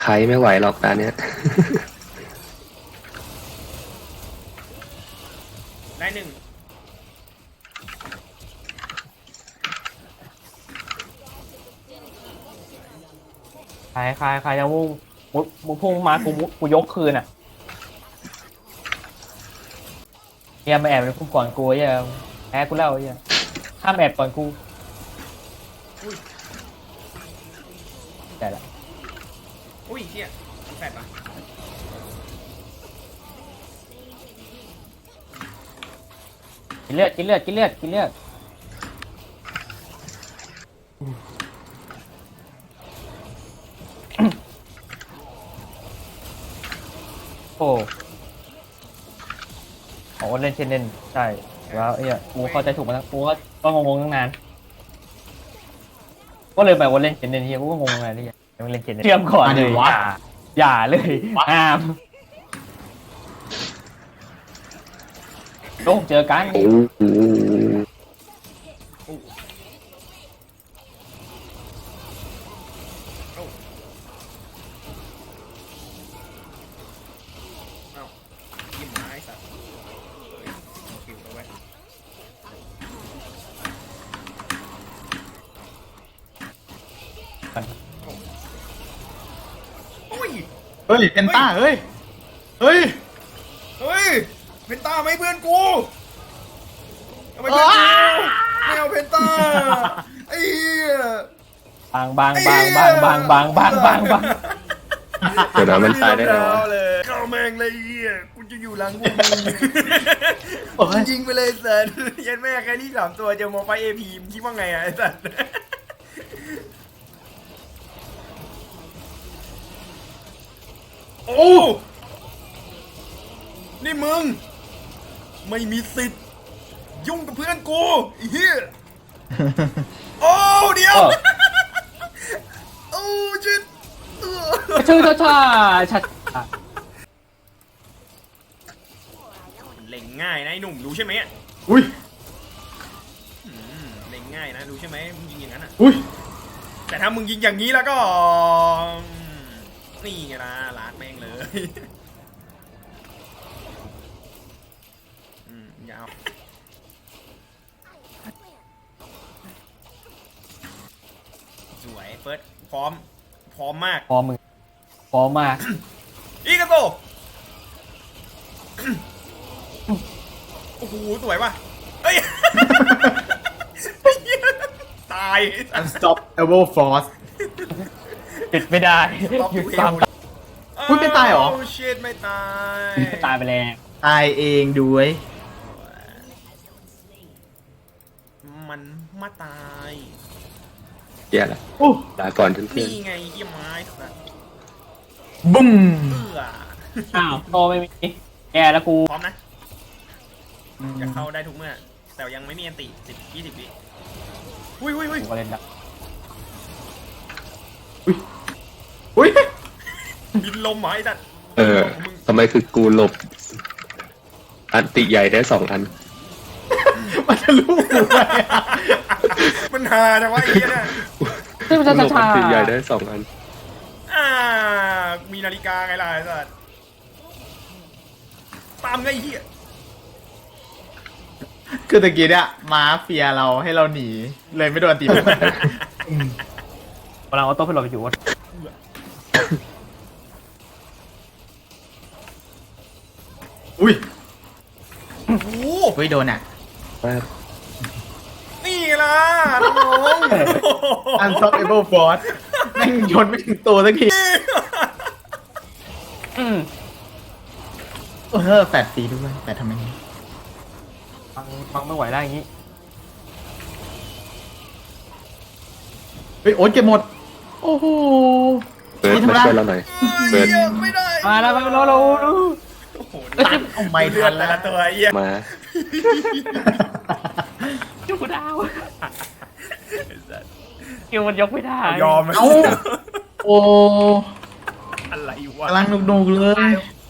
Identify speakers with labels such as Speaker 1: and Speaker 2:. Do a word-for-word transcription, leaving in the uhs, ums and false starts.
Speaker 1: ใครไม่ไหวหรอกตาเนี้ย
Speaker 2: ได้หนึ่ง
Speaker 3: ใครใครใครจะมุ่งมุดมุดพุ่งมากูมุดกูยกคืนอ่ะเฮียมาแอบในพุ่มก่อนกูเฮียแพ้กูแล้วเฮียห้ามแอบก่อนกูแต่ละ
Speaker 2: อุ้ยเฮียแปดปะ
Speaker 3: กินเลือดกินเลือดกินเลือดกินเลือดโอ้ของวันเล่นเช่นเล่นใช่แล้วไอ้เหี้ยกูเข้าใจถูกมาแล้วกูก็ก็งงๆตั้งนานก็เลยไปวันเล่นเช่นเล่นเฮียกูก็งงไงที่ยังเล่นเช่นเล่นเชื่อมก่อนเลยอย่าอย่าเลยห้ามโอ้เจอกัน
Speaker 1: โอ้โห
Speaker 2: เอ้ายิ้มหมาไอ้สัตว์เฮ้ยคิวเอาไว้โอ้ย
Speaker 4: เฮ้ยเพนต้าเฮ้ยเฮ้ย
Speaker 2: เฮ้ยเพนต้าไม่เพื่อนกูทำไมเพื่อนกูไม่เอาเพนต้าไอ้เหี้ย
Speaker 3: บางบางบางบางบางบางบางบางบาง
Speaker 1: เดี๋ยวนะมันตายได้แล้ววะ
Speaker 2: เลยเข้าแมงเลยเหี้ยกูจะอยู่หลังพวกมึงยิงไปเลยสัตว์ยันแม่แค่นี้สามตัวเจอโมไฟเอพีมคิดว่าไงอะไอ้สัตว์โอ้นี่มึงไม่มีสิทธิ์ยุ่งกับเพื่อนกูไอ้เหี้ยโอ้เดี๋ยวโอ้ชิด
Speaker 3: ชื่อชาชาชา
Speaker 2: มันเล็งง่ายนะไอ้หนุ่มรู้ใช่ไหม
Speaker 4: อุ้ย
Speaker 2: อืมเล็งง่ายนะรู้ใช่ไหมมึงยิงอย่างนั้นอ่ะ
Speaker 4: อุ้ย
Speaker 2: แต่ถ้ามึงยิงอย่างนี้แล้วก็นี่ไงล่ะลาดแม่งเลยอืมยาวสวยเฟิร์สพร้อมพร้อมมาก
Speaker 3: พอมึงพอมาก
Speaker 2: อีกาโตโอ้โหสวยว่ะเฮ้ย ตาย
Speaker 4: unstoppable force
Speaker 3: ปิดไม่ได้หยุดความ
Speaker 4: อุ๊ยไม่ตายเหรอ
Speaker 2: โอ้ชิตไม่ตาย
Speaker 3: ตายไปแล้ว
Speaker 4: ตายเองด้วย
Speaker 2: มันมาตาย
Speaker 1: แย่ละ
Speaker 4: อู้
Speaker 1: ลาก่อนเพื่อน
Speaker 2: นี่ไงเยี่ยมไม้สัตว์
Speaker 4: บุ้ม
Speaker 2: เอื้อ
Speaker 3: อ้าวโตไม่มีแกแล้วกู
Speaker 2: พร้อมนะจะเข้าได้ทุกเมื่อ แต่ยังไม่มีอันติสิบยี่สิบวิอุ้ยอุ้ยอุ้ย
Speaker 3: กูก็เล่นดับ
Speaker 4: อุ้ย
Speaker 2: บินลมเหรอไอ้สัตว์
Speaker 1: ๆเออทำไมคือกูหลบ อันติใหญ่ได้สองอัน
Speaker 4: มันจะรู้ไหมอะ
Speaker 2: มันหาแต่ว่าไอ้เหี้ยเนี่ย
Speaker 3: ซึ่งมัน
Speaker 1: กู
Speaker 3: จะ
Speaker 1: หลบ
Speaker 3: ชา
Speaker 1: อันติใหญ่ได้สองอัน
Speaker 2: อ่ามีนาฬิกาไงล่ะไอ้สัตว์ตามไงไอ้เหี้ย
Speaker 4: คือตะกี้เนี่ยม้าเฟียเราให้เราหนี เลยไม่โดนตีไป
Speaker 3: กำลังเอาโต้ไปหลบอยู่
Speaker 4: อุ้ย
Speaker 2: โอ้โห
Speaker 4: เฮ้ยโดนอ่ะ
Speaker 2: นี่ไงล่ะน้อง
Speaker 4: unstoppable force แม่งยนไม่ถึงตัวสักที
Speaker 3: อืม
Speaker 4: เออแปดตีด้วยแต่ทำไมนี้
Speaker 3: ฟังฟังไม่ไหวแล้วอย่างนี้
Speaker 4: เฮ้ยโอ๊ตเก็บหมด โอ้โห
Speaker 1: เบิร์ดมาช่วยเราหน่อย เบิร์ด
Speaker 2: เหี้ยไม่ได้
Speaker 3: มาแล้วมาแล้วเรา
Speaker 2: โอ้โห
Speaker 4: เอาไม่
Speaker 2: เลื
Speaker 4: ทั
Speaker 2: อด
Speaker 4: น
Speaker 2: แต่
Speaker 4: แล้ว
Speaker 2: ละตัวไอ้เหี้ย
Speaker 1: มา
Speaker 3: ยกไม่ได้คิวมันยกไม่ได้
Speaker 2: ยอมไหม
Speaker 4: เอ้า โอ้
Speaker 2: อะไรวะ
Speaker 4: กำลังหนุกๆเลย
Speaker 2: โ